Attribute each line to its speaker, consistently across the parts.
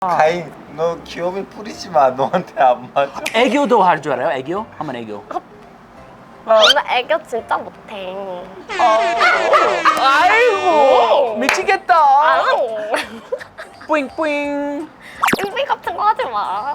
Speaker 1: 가인, 너 귀염이 뿌리지 마. 너한테 안 맞아.
Speaker 2: 애교도 할 줄 알아요? 애교? 한번 애교.
Speaker 3: 나 애교 진짜 못해.
Speaker 2: 아이고 미치겠다.
Speaker 3: 아우.
Speaker 2: 뿌잉뿌잉.
Speaker 3: 빙빙 같은 거 하지 마.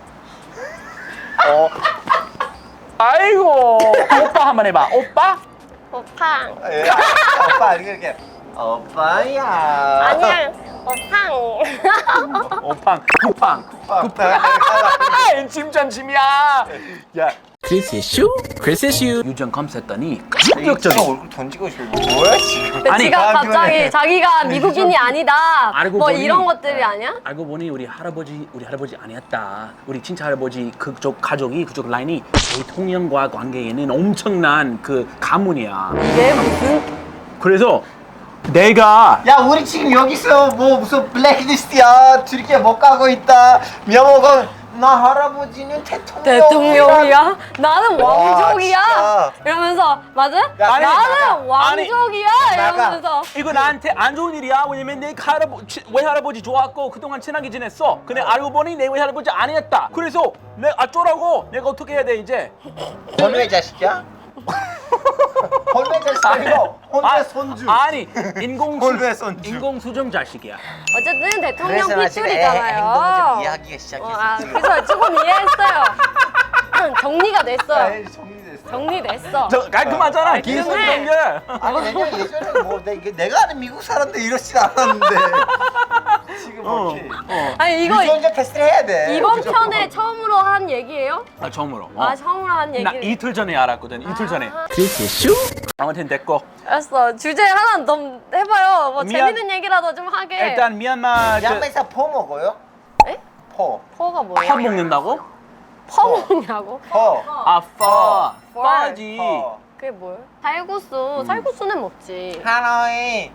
Speaker 2: 아이고 오빠 한번 해봐. 오빠?
Speaker 3: 오팡.
Speaker 1: 예, 오빠 이렇게 오빠야.
Speaker 3: 아니야. 오팡.
Speaker 2: 오팡 쿠팡.
Speaker 1: 오빠.
Speaker 2: 짐전짐이야. 야 크리스의 슈? 크리스의 슈. 유전 검색했더니 충격적인.
Speaker 1: 얼굴 던지고 싶어. 뭐야 지금?
Speaker 2: 아니,
Speaker 3: 지가
Speaker 1: 나한테
Speaker 3: 갑자기
Speaker 1: 왜?
Speaker 3: 자기가 미국인이 아니다.
Speaker 2: 알고
Speaker 3: 뭐
Speaker 2: 보니-
Speaker 3: 이런 것들이 아니야?
Speaker 2: 알고 보니 우리 할아버지 아니었다. 우리 친차 할아버지 그쪽 가족이 그쪽 라인이 대통령과 관계에는 엄청난 그 가문이야.
Speaker 3: 이게 무슨?
Speaker 2: 그래서 내가
Speaker 1: 야 우리 지금 여기서 뭐 무슨 블랙리스트야. 둘이 못 가고 있다. 명호가 나 할아버지는
Speaker 3: 대통령이야? 나는
Speaker 1: 와,
Speaker 3: 왕족이야?
Speaker 1: 진짜.
Speaker 3: 이러면서 맞아?
Speaker 1: 아니,
Speaker 3: 나는
Speaker 1: 나가.
Speaker 3: 왕족이야?
Speaker 1: 나가.
Speaker 3: 이러면서
Speaker 2: 이거 나한테 안 좋은 일이야. 왜냐면 내 외할아버지 좋았고 그동안 친하게 지냈어. 근데 알고 보니 내 외할아버지 아니었다. 그래서 내가 어쩌라고? 내가 어떻게 해야 돼 이제?
Speaker 1: 혼외 자식이야? 혼외 자식 아니고 혼외 손주.
Speaker 2: 아니
Speaker 1: 혼외 손주.
Speaker 2: 인공수정 자식이야.
Speaker 3: 어쨌든 대통령
Speaker 1: 그래서 나 지금 애
Speaker 3: 핏줄이잖아요.
Speaker 1: 행동을 좀 이해하기가 시작했어.
Speaker 3: 그래서 조금 이해했어요. 정리가 됐어요.
Speaker 1: 아이, 정리됐어.
Speaker 3: 정리됐어.
Speaker 2: 저 깔끔하잖아. 기술
Speaker 3: 해.
Speaker 2: 연결.
Speaker 1: 아니 왜냐면 예전에 뭐 내가 아는 미국 사람들 이러진 않았는데 지금 뭐지?
Speaker 3: 아니 이거
Speaker 1: 유전자 테스트를 해야 돼.
Speaker 3: 이번
Speaker 1: 무조건.
Speaker 3: 편에 처음으로 한 얘기예요?
Speaker 2: 아 처음으로.
Speaker 3: 아 처음으로 한 얘기.
Speaker 2: 나 이틀 전에 알았거든. 이틀 전에.
Speaker 3: 아.
Speaker 2: 크리스 슈? 아무튼 됐고.
Speaker 3: 알았어. 주제 하나 더 해봐요. 뭐
Speaker 2: 미안.
Speaker 3: 재밌는 얘기라도 좀 하게.
Speaker 2: 일단 미얀마
Speaker 1: 양매사 포 먹어요?
Speaker 3: 에?
Speaker 1: 포.
Speaker 3: 퍼가 뭐예요?
Speaker 2: 파 먹는다고?
Speaker 3: 퍼 먹냐고?
Speaker 1: 포.
Speaker 2: 아 파. 파지.
Speaker 1: 포.
Speaker 3: 그게 뭐예요? 살구수. 살구수는 먹지.
Speaker 1: 하노이.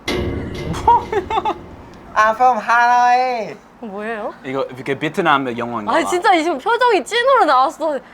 Speaker 1: I'm from 하노이.
Speaker 3: 뭐예요?
Speaker 2: 이거 이렇게 베트남 영어인가?
Speaker 3: 아 진짜 지금 표정이 찐으로 나왔어.
Speaker 2: 네.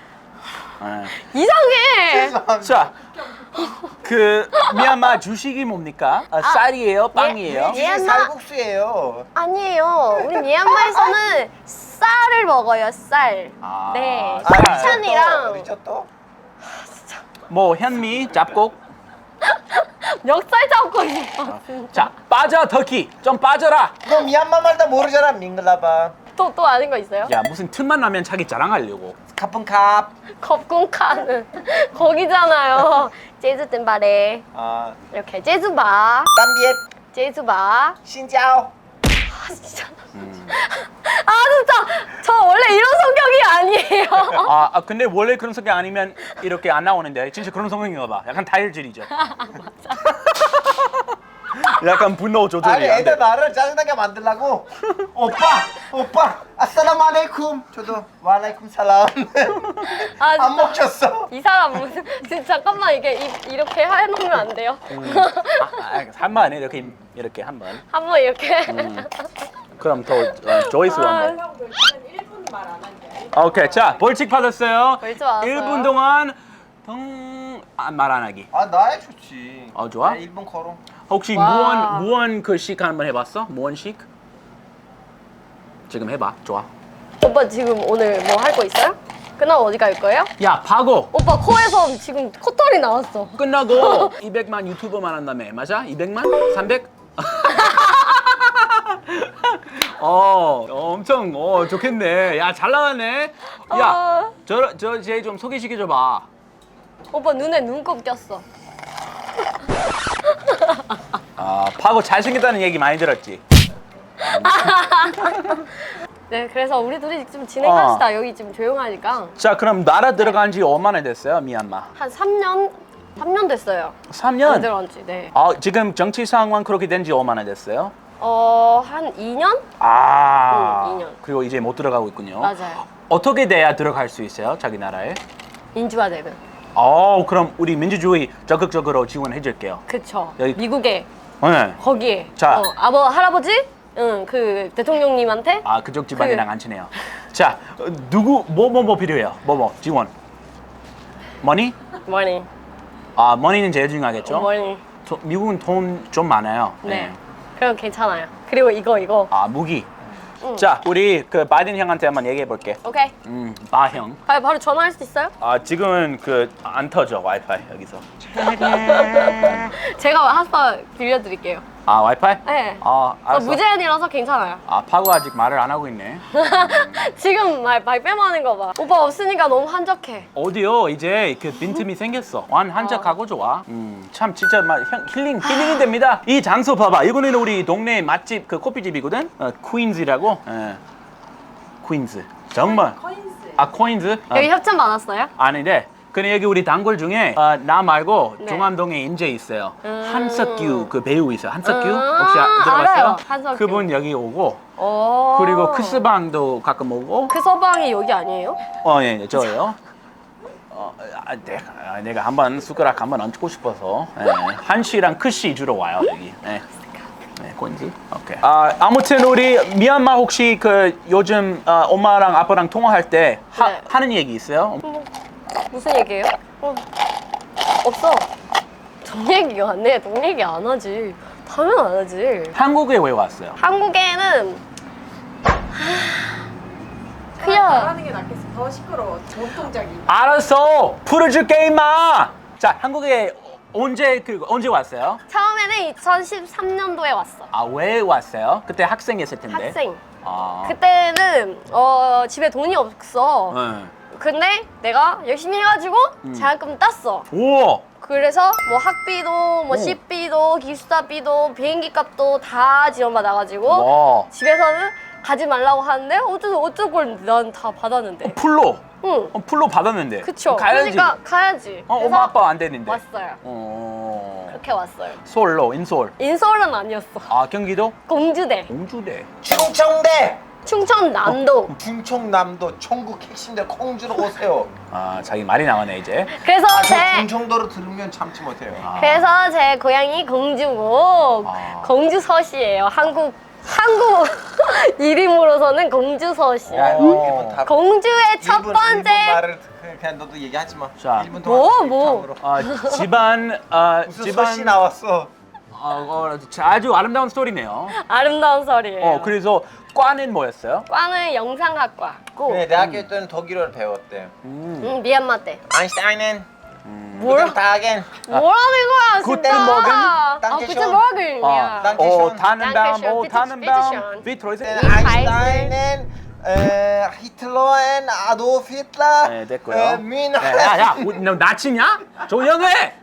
Speaker 3: 이상해.
Speaker 2: 자, 그 미얀마 주식이 뭡니까? 쌀이에요, 빵이에요?
Speaker 3: 예.
Speaker 1: 이게 쌀국수예요.
Speaker 3: 아니에요. 우리 미얀마에서는 쌀을 먹어요. 쌀.
Speaker 2: 아,
Speaker 3: 네.
Speaker 2: 쌀.
Speaker 3: 쌀찬이랑
Speaker 1: 리조또?
Speaker 2: 뭐 현미, 잡곡.
Speaker 3: 멱살 잡고 있어.
Speaker 2: 자, 빠져 터키. 좀 빠져라.
Speaker 1: 너 미얀마 말 다 모르잖아. 밍글라바.
Speaker 3: 또 아는 거 있어요?
Speaker 2: 야, 무슨 틈만 나면 자기 자랑하려고.
Speaker 1: 카푼캅.
Speaker 3: 겁궁카는 거기잖아요. 제주 뜸바레
Speaker 1: 아,
Speaker 3: 이렇게 제주바,
Speaker 1: 땀비엣.
Speaker 3: 제주바.
Speaker 1: 신짜오.
Speaker 3: 아 진짜. 아 진짜 저 원래 이런 성격이 아니에요.
Speaker 2: 아, 근데 원래 그런 성격 아니면 이렇게 안 나오는데 진짜 그런 성격인가 봐. 약간 다혈질이죠. 약간 분노
Speaker 1: 아니
Speaker 2: 조절이 안
Speaker 1: 애들
Speaker 2: 돼.
Speaker 1: 말을 짜증나게 만들라고. 오빠, 아싸라무 알레이쿰. 저도 와알레이쿰 살람.
Speaker 3: 아,
Speaker 1: 안
Speaker 3: 진짜.
Speaker 1: 먹혔어.
Speaker 3: 이 사람 무슨 진짜 잠깐만 이게 이렇게 해놓으면 안 돼요?
Speaker 2: 한번 이렇게 한 번.
Speaker 3: 한번 이렇게.
Speaker 2: 그럼 더 조이스
Speaker 3: 아,
Speaker 2: 한번. 오케이, 자 벌칙 받았어요.
Speaker 3: 벌칙 받았어요.
Speaker 2: 1분 동안 말 안 하기.
Speaker 1: 아 나야 좋지.
Speaker 2: 좋아?
Speaker 1: 나 일본 걸어.
Speaker 2: 혹시
Speaker 3: 와.
Speaker 2: 무언 그 식 한번 해봤어? 무언식? 지금 해봐. 좋아.
Speaker 3: 오빠 지금 오늘 뭐 할 거 있어요? 끝나고 어디 갈 거예요?
Speaker 2: 야, 파고
Speaker 3: 오빠 코에서 지금 코털이 나왔어.
Speaker 2: 끝나고 200만 유튜버만 한다며. 맞아? 200만? 300? 엄청 좋겠네. 야, 잘 나왔네. 야, 쟤 좀 소개시켜 봐.
Speaker 3: 오빠 눈에 눈곱 꼈어.
Speaker 2: 파고 잘생겼다는 얘기 많이 들었지.
Speaker 3: 네, 그래서 우리 둘이 좀 진행합시다. 여기 지금 조용하니까.
Speaker 2: 자, 그럼 나라 들어간 지 얼마나 됐어요, 미얀마?
Speaker 3: 한 3년 됐어요.
Speaker 2: 3년?
Speaker 3: 들어간 지, 네.
Speaker 2: 지금 정치 상황 그렇게 된 지 얼마나 됐어요?
Speaker 3: 한 2년? 2년.
Speaker 2: 그리고 이제 못 들어가고 있군요.
Speaker 3: 맞아요.
Speaker 2: 어떻게 돼야 들어갈 수 있어요, 자기 나라에?
Speaker 3: 민주화되는.
Speaker 2: 그럼 우리 민주주의 적극적으로 지원해 줄게요.
Speaker 3: 그쵸.
Speaker 2: 여기-
Speaker 3: 미국에,
Speaker 2: 네.
Speaker 3: 거기에.
Speaker 2: 자.
Speaker 3: 할아버지? 응, 그 대통령님한테.
Speaker 2: 그쪽 집안이랑 안 친해요. 자, 누구 뭐 필요해요? 지원. 머니?
Speaker 3: 머니.
Speaker 2: 머니는 제일 중요하겠죠?
Speaker 3: 머니.
Speaker 2: 미국은 돈 좀 많아요.
Speaker 3: 네. 그럼 괜찮아요. 그리고 이거.
Speaker 2: 무기. 자, 우리 그 바이든 형한테 한번 얘기해 볼게.
Speaker 3: 오케이.
Speaker 2: 바형.
Speaker 3: 바로 전화할 수 있어요?
Speaker 2: 지금은 그 안 터져 와이파이 여기서.
Speaker 3: 제가 핫스팟 빌려드릴게요.
Speaker 2: 와이파이?
Speaker 3: 네.
Speaker 2: 저 알았어.
Speaker 3: 무제한이라서 괜찮아요.
Speaker 2: 파고 아직 말을 안 하고 있네.
Speaker 3: 지금 말 빼먹는 거 봐. 오빠 없으니까 너무 한적해.
Speaker 2: 어디요? 이제 그 빈틈이 생겼어. 한적하고 좋아. 참 진짜 막 힐링이 됩니다. 이 장소 봐봐. 이거는 우리 동네 맛집 그 커피집이거든. 퀸즈라고. 퀸즈. 정말. 코인즈?
Speaker 3: 여기 협찬 받았어요?
Speaker 2: 아닌데. 근데 여기 우리 단골 중에 나 말고
Speaker 3: 네.
Speaker 2: 종암동에 인제 있어요. 한석규 그 배우 있어요. 한석규 혹시 들어봤어요?
Speaker 3: 알아요. 한석규.
Speaker 2: 그분 여기 오고
Speaker 3: 오.
Speaker 2: 그리고 크스방도 가끔 오고.
Speaker 3: 그 서방이 여기 아니에요?
Speaker 2: 예, 저예요. 내가 한번 숟가락 한번 얹고 싶어서 한씨랑 크씨 주로 와요 여기. 네, 꼰지. 오케이. 아무튼 우리 미얀마 혹시 그 요즘 엄마랑 아빠랑 통화할 때
Speaker 3: 네.
Speaker 2: 하는 얘기 있어요?
Speaker 3: 무슨 얘기예요? 없어. 돈 얘기가 안 해. 돈 얘기 안 하지. 당연 안 하지.
Speaker 2: 한국에 왜 왔어요?
Speaker 3: 한국에는 그냥
Speaker 4: 말하는 게 낫겠어. 더 시끄러워. 전통적인.
Speaker 2: 알았어. 풀어줄게 임마. 자, 한국에 언제 왔어요?
Speaker 3: 처음에는 2013년도에 왔어.
Speaker 2: 왜 왔어요? 그때 학생이었을 텐데.
Speaker 3: 학생.
Speaker 2: 아.
Speaker 3: 그때는 집에 돈이 없어.
Speaker 2: 네.
Speaker 3: 근데 내가 열심히 해가지고 장학금 땄어.
Speaker 2: 우와.
Speaker 3: 그래서 뭐 학비도 뭐 식비도 기숙사비도 비행기 값도 다 지원받아가지고
Speaker 2: 와.
Speaker 3: 집에서는 가지 말라고 하는데 어쩔 걸 난 다 받았는데.
Speaker 2: 풀로.
Speaker 3: 응.
Speaker 2: 풀로 받았는데.
Speaker 3: 그쵸.
Speaker 2: 가야지.
Speaker 3: 그러니까 가야지. 그래서
Speaker 2: 엄마 아빠 안 되는데.
Speaker 3: 왔어요. 그렇게 왔어요.
Speaker 2: 서울로 인서울.
Speaker 3: 인서울은 아니었어.
Speaker 2: 경기도?
Speaker 3: 공주대.
Speaker 2: 공주대.
Speaker 1: 충청대
Speaker 3: 충청남도.
Speaker 1: 충청남도 천국 핵심대 콩주로 오세요.
Speaker 2: 자기 말이 나오네 이제.
Speaker 3: 그래서
Speaker 1: 저
Speaker 3: 제
Speaker 1: 충청도로 들으면 참지 못해요.
Speaker 3: 그래서 제 고향이 공주고 공주서시예요. 한국 이름으로서는 공주서시야.
Speaker 1: 일본 다
Speaker 3: 공주의 첫
Speaker 1: 일본
Speaker 3: 번째
Speaker 1: 말을 그냥 너도 얘기하지 마.
Speaker 2: 자.
Speaker 1: 1분 동안
Speaker 3: 뭐?
Speaker 2: 집안
Speaker 1: 무슨 서씨 나왔어?
Speaker 2: 아주 아름다운 스토리네요.
Speaker 3: 아름다운 설이에요.
Speaker 2: 그래서 과는 뭐였어요?
Speaker 3: 과는 영상학과고
Speaker 1: 네, 대학교 때는 독일어를 배웠대.
Speaker 3: 미얀마 때.
Speaker 1: 아인슈타인은
Speaker 3: 뭘?
Speaker 1: Guten Tagen.
Speaker 3: 뭐라는 거야
Speaker 2: Guten
Speaker 3: 진짜.
Speaker 2: Morgen.
Speaker 1: Danke
Speaker 3: Guten
Speaker 1: schön.
Speaker 3: Morgen이야.
Speaker 1: Danke schön.
Speaker 2: Tannenbaum,
Speaker 3: Danke schön.
Speaker 2: Tannenbaum.
Speaker 3: Bitte
Speaker 2: Wie treu sind
Speaker 1: 아인슈타인은 히틀러엔 아도프 히틀러.
Speaker 2: 네, 됐고요.
Speaker 1: 뮌헨
Speaker 2: 야, 너 나치냐? 조용해.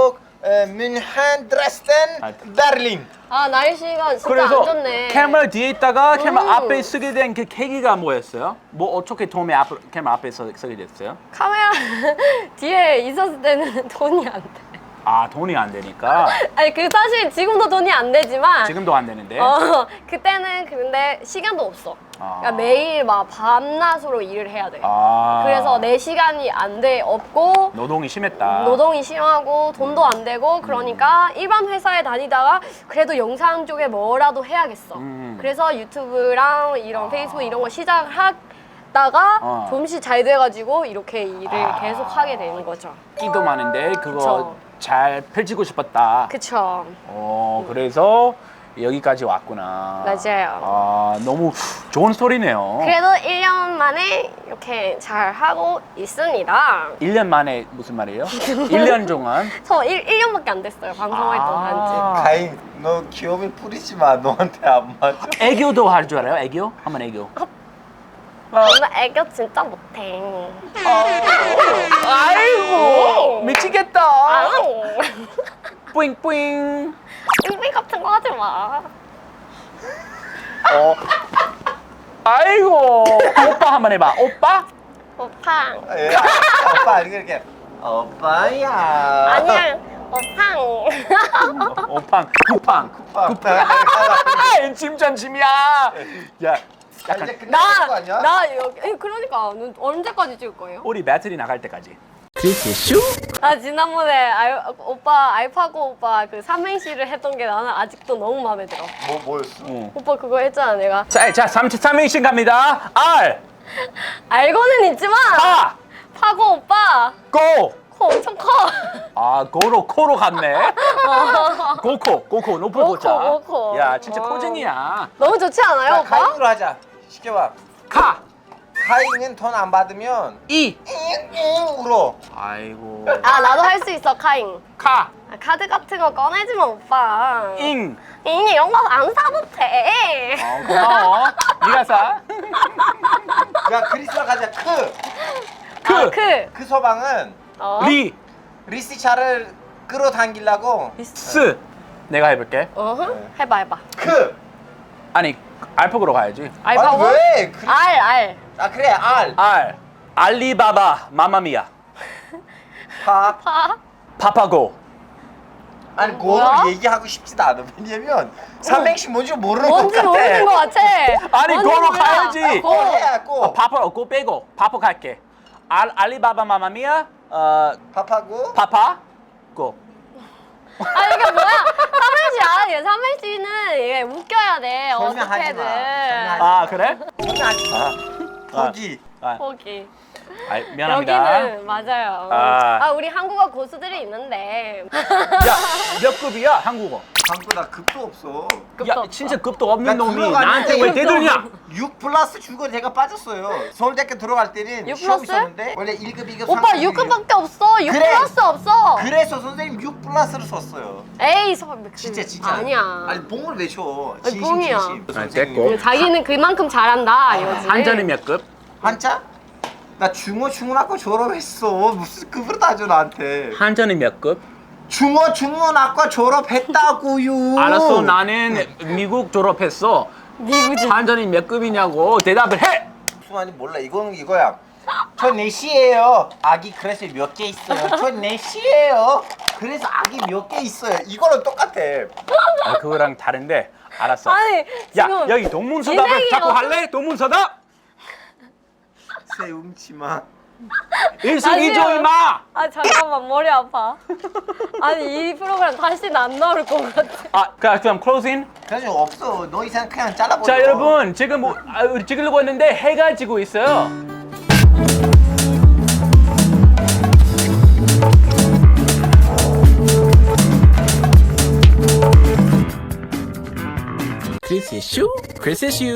Speaker 1: 뮌헨 드레스덴 베를린.
Speaker 3: 날씨가 진짜
Speaker 2: 그래서
Speaker 3: 안 좋네.
Speaker 2: 카메라 뒤에 있다가 카메라 앞에 쓰게 된 그 계기가 뭐였어요? 어떻게 처음에 카메라 앞에 서게 됐어요?
Speaker 3: 카메라 뒤에 있었을 때는 돈이 안 돼.
Speaker 2: 돈이 안 되니까.
Speaker 3: 아니 사실 지금도 돈이 안 되지만
Speaker 2: 지금도 안 되는데.
Speaker 3: 그때는 근데 시간도 없어.
Speaker 2: 아.
Speaker 3: 그러니까 매일 막 밤낮으로 일을 해야 돼.
Speaker 2: 아.
Speaker 3: 그래서 내 시간이 없고
Speaker 2: 노동이 심했다.
Speaker 3: 노동이 심하고 돈도 안 되고 그러니까 일반 회사에 다니다가 그래도 영상 쪽에 뭐라도 해야겠어. 그래서 유튜브랑 이런 페이스북 이런 거 시작하다가 조금씩 잘 돼가지고 이렇게 일을 계속 하게 되는 거죠.
Speaker 2: 끼도 많은데 그거
Speaker 3: 그쵸.
Speaker 2: 잘 펼치고 싶었다.
Speaker 3: 그쵸.
Speaker 2: 그래서 여기까지 왔구나.
Speaker 3: 맞아요.
Speaker 2: 너무 좋은 스토리네요.
Speaker 3: 그래도 1년 만에 이렇게 잘 하고 있습니다.
Speaker 2: 1년 만에 무슨 말이에요? 1년 동안?
Speaker 3: 저 1년밖에 안 됐어요. 방송 활동한 지.
Speaker 1: 가인, 너 귀염이 뿌리지 마. 너한테 안 맞아.
Speaker 2: 애교도 할 줄 알아요? 애교? 한번 애교.
Speaker 3: 나 애교 진짜 못해.
Speaker 2: 아이고 미치겠다.
Speaker 3: 아우.
Speaker 2: 뿌잉뿌잉.
Speaker 3: 빙빙 같은 거 하지 마.
Speaker 2: 아이고 오빠 한번 해봐. 오빠?
Speaker 3: 오빠.
Speaker 1: 예, 오빠 이렇게 오빠야.
Speaker 3: 아니야. 오빠.
Speaker 2: 오팡 쿠팡. 짐전짐이야. 야 약간
Speaker 1: 이제 끝날 거 아니야?
Speaker 3: 나 여기 그러니까 언제까지 찍을 거예요?
Speaker 2: 우리 배터리 나갈 때까지.
Speaker 3: 지난번에 오빠 알파고 오빠 그 삼행시를 했던 게 나는 아직도 너무 마음에 들어.
Speaker 1: 뭐였어?
Speaker 3: 오빠 그거 했잖아 내가.
Speaker 2: 자 3인칭 갑니다. R
Speaker 3: 알고는 있지만
Speaker 2: 파
Speaker 3: 파고 오빠
Speaker 2: 고
Speaker 3: 코 엄청 커.
Speaker 2: 아 코로 갔네. 고코 높은 고자.
Speaker 3: 고코.
Speaker 2: 야 진짜 코쟁이야.
Speaker 3: 너무 좋지 않아요,
Speaker 1: 자,
Speaker 3: 오빠?
Speaker 1: 카잉으로 하자. 시켜봐.
Speaker 2: 카.
Speaker 1: 카잉은 돈 안 받으면
Speaker 2: 이.
Speaker 1: 잉잉 울어.
Speaker 2: 아이고.
Speaker 3: 아, 나도 할 수 있어, 카잉.
Speaker 2: 카.
Speaker 3: 아, 카드 같은 거 꺼내지 마, 오빠.
Speaker 2: 잉.
Speaker 3: 이런 거 안 사도 돼.
Speaker 2: 고마워. 네가 사.
Speaker 1: 야 크리스마 가자.
Speaker 2: 크.
Speaker 3: 크.
Speaker 1: 서방은
Speaker 3: 어?
Speaker 2: 리.
Speaker 1: 리스차를 끌어당기려고
Speaker 2: 스. 내가 해볼게.
Speaker 3: 어흥. 해봐.
Speaker 2: 아니 알파고로 가야지.
Speaker 3: 알파고?
Speaker 1: 아니 왜?
Speaker 3: 알.
Speaker 1: 아 그래 알.
Speaker 2: 알. 알리바바 마마미아.
Speaker 1: 파.
Speaker 2: 파파고.
Speaker 1: 아니
Speaker 3: 뭐야?
Speaker 1: 그거를 얘기하고 싶지도 않아. 왜냐면 삼행시 뭔지 모르는 것
Speaker 3: 뭔지
Speaker 1: 같아.
Speaker 3: 모르는 것 같아.
Speaker 2: 아니,
Speaker 3: 뭔지
Speaker 2: 그거로
Speaker 3: 몰라.
Speaker 2: 가야지.
Speaker 3: 고.
Speaker 1: 해야 고.
Speaker 2: 파파로 고 빼고 파포 갈게. 알리바바 마마미아.
Speaker 1: 파파고.
Speaker 2: 파파. 고.
Speaker 3: 아, 이게 뭐야? 삼행시 아니야. 삼행시는 이게 웃겨야 돼.
Speaker 1: 설명하지 마.
Speaker 3: 어떻게든.
Speaker 1: 설명하지
Speaker 2: 아 그래?
Speaker 1: 설명하지 마. 포기.
Speaker 3: 포기.
Speaker 2: 아, 미안합니다.
Speaker 3: 여기는 맞아요.
Speaker 2: 아.
Speaker 3: 우리 한국어 고수들이 있는데.
Speaker 2: 야, 몇 급이야 한국어?
Speaker 1: 방보다 급도 없어.
Speaker 3: 급도
Speaker 2: 야,
Speaker 3: 없어.
Speaker 2: 진짜 급도 없는
Speaker 1: 나
Speaker 2: 놈이
Speaker 1: 들어갔는데
Speaker 2: 나한테 왜
Speaker 1: 급도
Speaker 2: 대들냐?
Speaker 1: 6 플러스 주고 제가 빠졌어요. 서울대학교 들어갈 때는
Speaker 3: 6
Speaker 1: 시험
Speaker 3: 플러스?
Speaker 1: 있었는데 원래 1급, 2급,
Speaker 3: 오빠
Speaker 1: 3급,
Speaker 3: 6급밖에 없어. 6
Speaker 1: 그래.
Speaker 3: 플러스 없어.
Speaker 1: 그래서 선생님 6 플러스를 썼어요.
Speaker 3: 에이,
Speaker 1: 진짜 진짜.
Speaker 3: 아니야.
Speaker 1: 아니 봉을 왜 줘?
Speaker 3: 아니,
Speaker 1: 진심
Speaker 3: 봉이야.
Speaker 1: 진심.
Speaker 2: 아니,
Speaker 1: 선생님.
Speaker 2: 됐고.
Speaker 3: 자기는 그만큼 잘한다 이거지.
Speaker 2: 한자는 몇 급?
Speaker 1: 한자? 나 중고등학교 졸업했어. 무슨 급으로 따져 나한테.
Speaker 2: 한자는 몇 급?
Speaker 1: 중고등학교 졸업했다고요.
Speaker 2: 알았어, 나는 미국 졸업했어.
Speaker 3: 미국지.
Speaker 2: 한자는 몇 급이냐고 대답을 해.
Speaker 1: 무슨 말인지 몰라. 이거는 이거야. 저 4시에요. 아기 그래서 몇 개 있어요. 저 4시에요. 그래서 아기 몇 개 있어요. 이거랑 똑같아.
Speaker 2: 아, 그거랑 다른데. 알았어.
Speaker 3: 아니,
Speaker 2: 야,
Speaker 3: 지금
Speaker 2: 여기 동문서답을
Speaker 3: 인생이
Speaker 2: 자꾸
Speaker 3: 뭐-
Speaker 2: 할래? 동문서답?
Speaker 1: 세움치마.
Speaker 2: 일석이조
Speaker 3: 아니요.
Speaker 2: 임마.
Speaker 3: 아 잠깐만 머리 아파. 아니 이 프로그램 다시는 안 나올 것 같아.
Speaker 2: 아, 그럼 클로징.
Speaker 1: 그래서 없어. 너 이상 그냥 잘라버려.
Speaker 2: 자, 여러분 지금 우리 찍으려고 했는데 해가 지고 있어요.
Speaker 5: 크리스 이슈? 크리스 이슈.